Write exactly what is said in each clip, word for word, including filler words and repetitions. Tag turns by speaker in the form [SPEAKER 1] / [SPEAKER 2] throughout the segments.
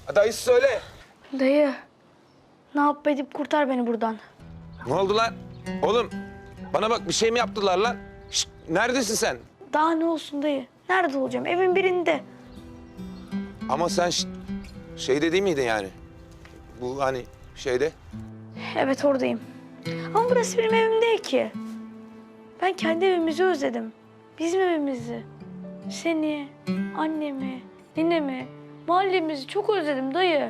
[SPEAKER 1] Dayısı söyle.
[SPEAKER 2] Dayı, ne yap edip kurtar beni buradan.
[SPEAKER 1] Ne oldu lan? Oğlum bana bak bir şey mi yaptılar lan? Şişt, neredesin sen?
[SPEAKER 2] Daha ne olsun dayı? Nerede olacağım? Evin birinde.
[SPEAKER 1] Ama sen şişt, şeyde değil miydin yani? Bu hani şeyde.
[SPEAKER 2] Evet oradayım. Ama burası benim evim değil ki. Ben kendi evimizi özledim. Bizim evimizi. Seni, annemi, ninemi, mahallemizi çok özledim dayı.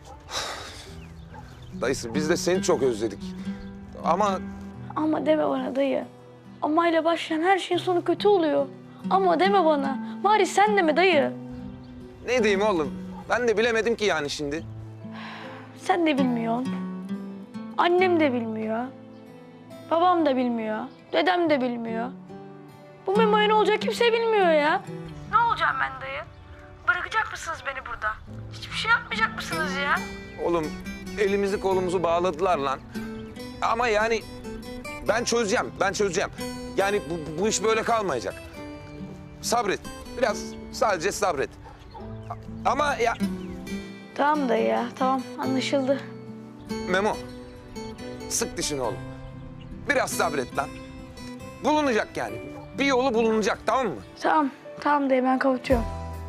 [SPEAKER 1] Dayısı biz de seni çok özledik. Ama
[SPEAKER 2] Ama deme bana dayı. Amayla başlayan her şeyin sonu kötü oluyor. Ama deme bana. Bari sen deme dayı.
[SPEAKER 1] ne diyeyim oğlum? Ben de bilemedim ki yani şimdi.
[SPEAKER 2] Sen de bilmiyorsun. Annem de bilmiyor. Babam da bilmiyor. Dedem de bilmiyor. Bu Memo'ya ne olacak kimse bilmiyor ya. Ne olacağım ben dayı? Bırakacak mısınız beni burada? Hiçbir şey yapmayacak mısınız ya?
[SPEAKER 1] Oğlum elimizi kolumuzu bağladılar lan. Ama yani ben çözeceğim, ben çözeceğim. Yani bu, bu iş böyle kalmayacak. Sabret, biraz sadece sabret. Ama ya
[SPEAKER 2] Tamam dayı ya, tamam anlaşıldı.
[SPEAKER 1] Memo, sık dişini oğlum. Biraz sabret lan. Bulunacak yani. Bir yolu bulunacak, tamam mı?
[SPEAKER 2] Tamam, tamam dayı ben kapatıyorum.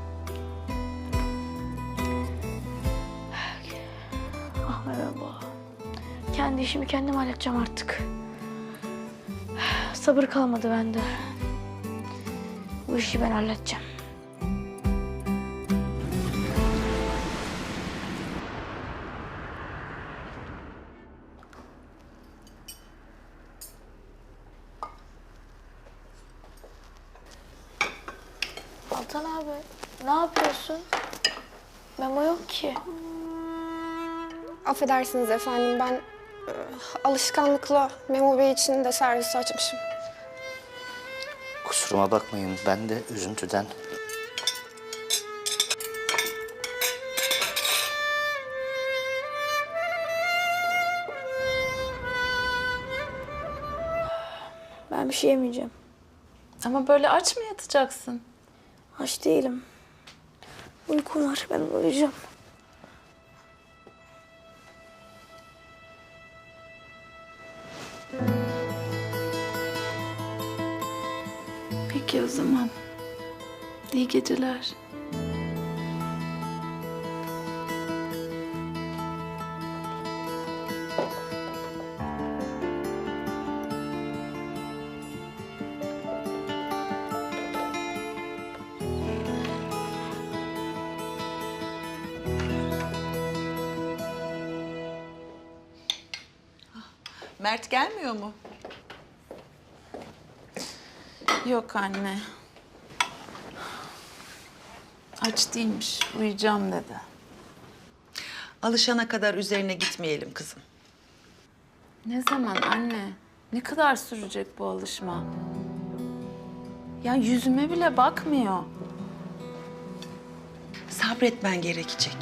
[SPEAKER 2] Ah merhaba. Kendi işimi kendim halledeceğim artık. Sabır kalmadı bende. Bu işi ben halledeceğim. Altan abi, ne yapıyorsun? Memo yok ki.
[SPEAKER 3] Affedersiniz efendim, ben e, alışkanlıkla Memo Bey için de servisi açmışım.
[SPEAKER 4] Kusuruma bakmayın, ben de üzüntüden.
[SPEAKER 2] Ben bir şey yemeyeceğim.
[SPEAKER 5] Ama böyle aç mı yatacaksın?
[SPEAKER 2] Aç değilim. Uykum var, ben uyuyacağım.
[SPEAKER 5] Peki o zaman. İyi geceler.
[SPEAKER 6] Mert gelmiyor mu?
[SPEAKER 5] Yok anne. Aç değilmiş, uyuyacağım dedi.
[SPEAKER 6] Alışana kadar üzerine gitmeyelim kızım.
[SPEAKER 5] Ne zaman anne? Ne kadar sürecek bu alışma? Ya yüzüme bile bakmıyor.
[SPEAKER 6] Sabretmen gerekecek.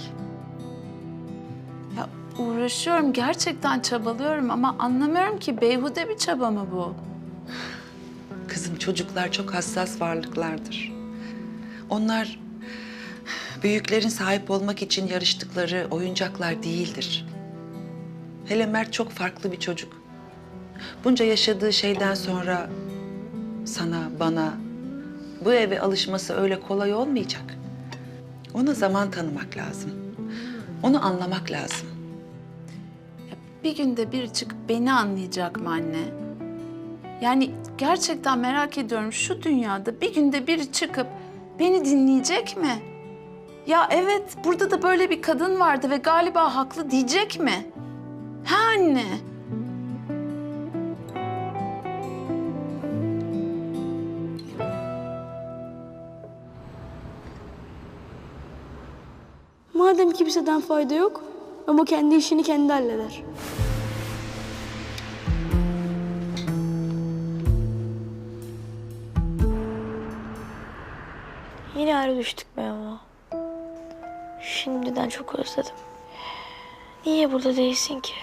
[SPEAKER 5] Ya uğraşıyorum, gerçekten çabalıyorum ama anlamıyorum ki beyhude bir çaba mı bu?
[SPEAKER 6] Kızım çocuklar çok hassas varlıklardır. Onlar büyüklerin sahip olmak için yarıştıkları oyuncaklar değildir. Hele Mert çok farklı bir çocuk. Bunca yaşadığı şeyden sonra sana, bana bu eve alışması öyle kolay olmayacak. Ona zaman tanımak lazım. Onu anlamak lazım.
[SPEAKER 5] Ya bir günde bir çıkıp beni anlayacak mı anne? Yani gerçekten merak ediyorum, şu dünyada bir günde biri çıkıp beni dinleyecek mi? Ya evet, burada da böyle bir kadın vardı ve galiba haklı diyecek mi? Ha anne?
[SPEAKER 2] Madem kimseden fayda yok, ama kendi işini kendi halleder. Yine ayrı düştük Memo. Şimdiden çok özledim. Niye burada değilsin ki?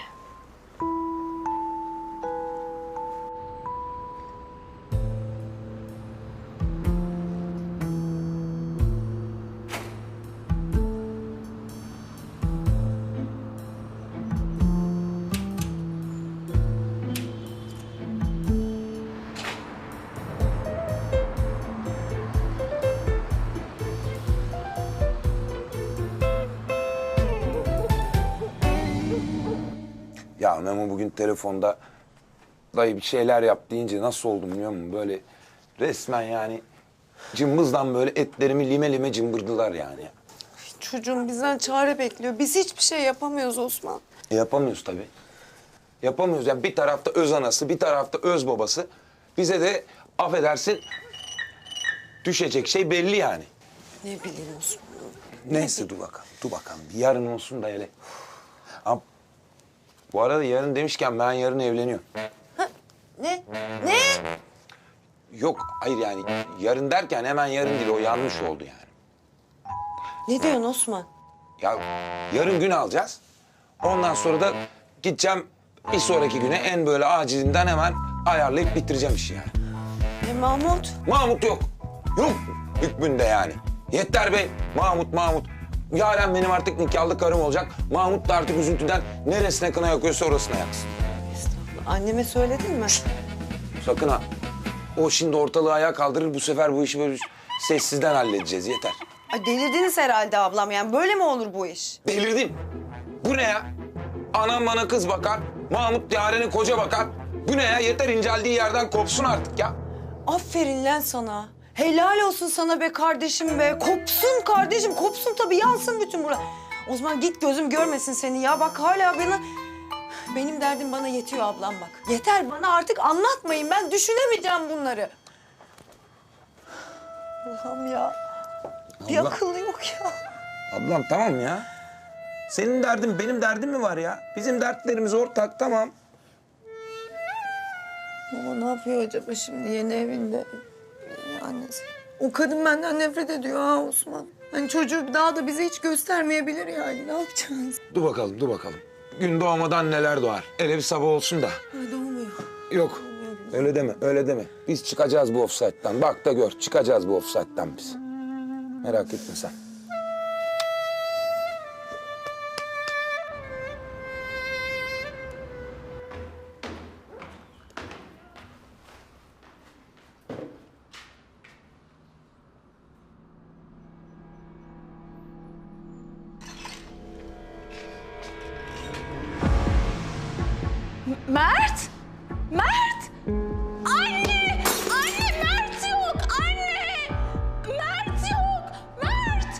[SPEAKER 1] Ya Memo bugün telefonda dayı bir şeyler yap deyince nasıl oldum biliyor musun? Böyle resmen yani cımbızdan böyle etlerimi lime lime cımbırdılar yani.
[SPEAKER 7] Çocuğum bizden çare bekliyor. Biz hiçbir şey yapamıyoruz Osman.
[SPEAKER 1] E yapamıyoruz tabii. Yapamıyoruz. Yani bir tarafta öz anası, bir tarafta öz babası. Bize de affedersin düşecek şey belli yani.
[SPEAKER 7] Ne bileyim Osman.
[SPEAKER 1] Neyse dur bakalım, dur bakalım. Bir yarın olsun da hele. Ama bu arada yarın demişken ben yarın evleniyorum.
[SPEAKER 7] Ne? Ne?
[SPEAKER 1] Yok, hayır yani yarın derken hemen yarın değil, o yanlış oldu yani.
[SPEAKER 7] Ne diyorsun Osman?
[SPEAKER 1] Ya yarın gün alacağız. Ondan sonra da gideceğim bir sonraki güne en böyle acilinden hemen ayarlayıp bitireceğim işi yani.
[SPEAKER 7] E Mahmut?
[SPEAKER 1] Mahmut yok. Yok hükmünde yani. Yeter be Mahmut Mahmut. Yaren benim artık nikahlı karım olacak. Mahmut da artık üzüntüden neresine kına yakıyorsa orasına yaksın.
[SPEAKER 7] Estağfurullah. Anneme söyledin mi?
[SPEAKER 1] Sakın ha. O şimdi ortalığı ayağa kaldırır. Bu sefer bu işi böyle sessizden halledeceğiz. Yeter.
[SPEAKER 7] Ay delirdiniz herhalde ablam. Yani böyle mi olur bu iş?
[SPEAKER 1] Delirdim. Bu ne ya? Anam bana kız bakar. Mahmut Yaren'e koca bakar. Bu ne ya? Yeter inceldiği yerden kopsun artık ya.
[SPEAKER 7] Aferin lan sana. Helal olsun sana be kardeşim be. Kopsun kardeşim, kopsun tabii. Yansın bütün bura. Osman git gözüm görmesin seni ya. Bak hala bana... Benim derdim bana yetiyor ablam bak. Yeter bana artık anlatmayın. Ben düşünemeyeceğim bunları. Allah'ım ya. Bir
[SPEAKER 1] Allah.
[SPEAKER 7] akıllı yok ya.
[SPEAKER 1] Ablam tamam ya. Senin derdin benim derdim mi var ya? Bizim dertlerimiz ortak tamam.
[SPEAKER 7] Baba ne yapıyor acaba şimdi yeni evinde? Yeni annesi. O kadın benden nefret ediyor ha Osman. Hani çocuğu daha da bize hiç göstermeyebilir yani. Ne yapacağız?
[SPEAKER 1] Dur bakalım, dur bakalım. Gün doğmadan neler doğar. Hele bir sabah olsun da.
[SPEAKER 7] Ay doğmuyor.
[SPEAKER 1] Yok, öyle deme, öyle deme. Biz çıkacağız bu ofsayttan. Bak da gör, çıkacağız bu ofsayttan biz. Merak etme sen.
[SPEAKER 5] Mert! Mert! Anne! Anne Mert yok! Anne! Mert yok! Mert!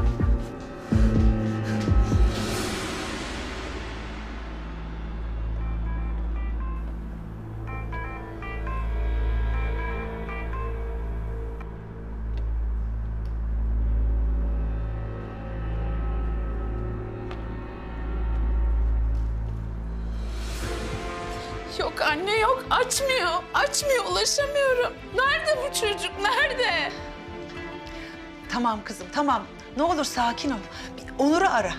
[SPEAKER 5] Yok anne yok. Açmıyor. Açmıyor. Ulaşamıyorum. Nerede bu çocuk? Nerede?
[SPEAKER 6] Tamam kızım, tamam. Ne olur sakin ol. Bir Onur'u ara.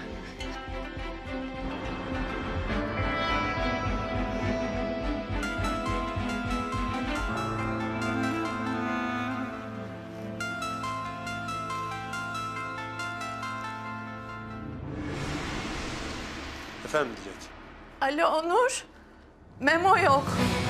[SPEAKER 8] Efendim Dilek.
[SPEAKER 5] Alo Onur. Memo yok.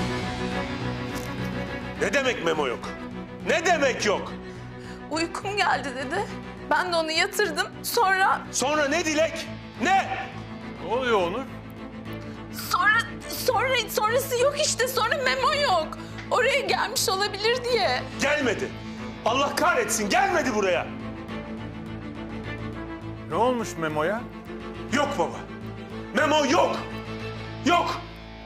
[SPEAKER 8] Ne demek memo yok? Ne demek yok?
[SPEAKER 5] Uykum geldi dedi. Ben de onu yatırdım. Sonra
[SPEAKER 8] Sonra ne Dilek? Ne? Ne oluyor Onur?
[SPEAKER 5] sonra sonra sonrası yok işte. Sonra Memo yok. Oraya gelmiş olabilir diye.
[SPEAKER 8] Gelmedi. Allah kahretsin gelmedi buraya.
[SPEAKER 9] Ne olmuş Memo'ya?
[SPEAKER 8] Yok baba. Memo yok. Yok.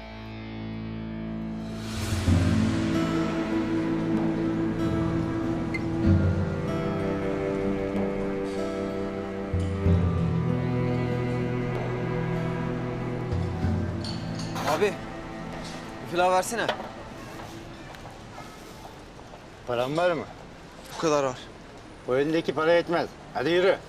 [SPEAKER 10] Abi, bir pilav versene.
[SPEAKER 9] Paran var mı?
[SPEAKER 10] Bu kadar var.
[SPEAKER 9] O elindeki para yetmez. Hadi yürü.